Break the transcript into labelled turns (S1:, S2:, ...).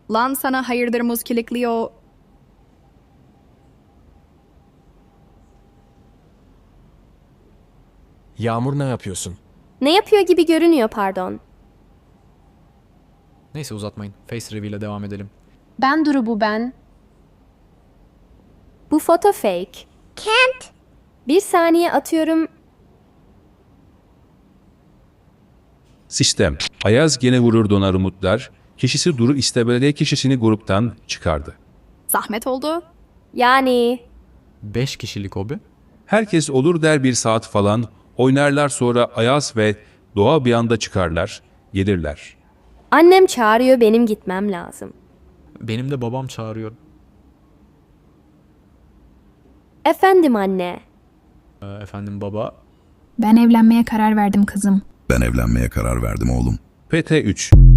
S1: Lan sana hayırdır muskilikliyor.
S2: Yağmur ne yapıyorsun?
S3: Ne yapıyor gibi görünüyor pardon.
S4: Neyse uzatmayın. Face reveal'e devam edelim.
S5: Ben Duru bu ben.
S3: Bu foto fake.
S6: Can't.
S3: Bir saniye atıyorum.
S7: Sistem. Ayaz gene vurur donar umutlar. Kişisi Duru istebelediği kişisini gruptan çıkardı.
S1: Zahmet oldu.
S3: Yani
S4: 5 kişilik hobi.
S7: Herkes olur der bir saat falan. Oynarlar sonra Ayaz ve Doğa bir anda çıkarlar. Gelirler.
S3: annem çağırıyor benim gitmem lazım.
S4: Benim de babam çağırıyor.
S3: Efendim anne.
S4: Efendim baba.
S8: Ben evlenmeye karar verdim kızım.
S9: Ben evlenmeye karar verdim oğlum.
S7: PT3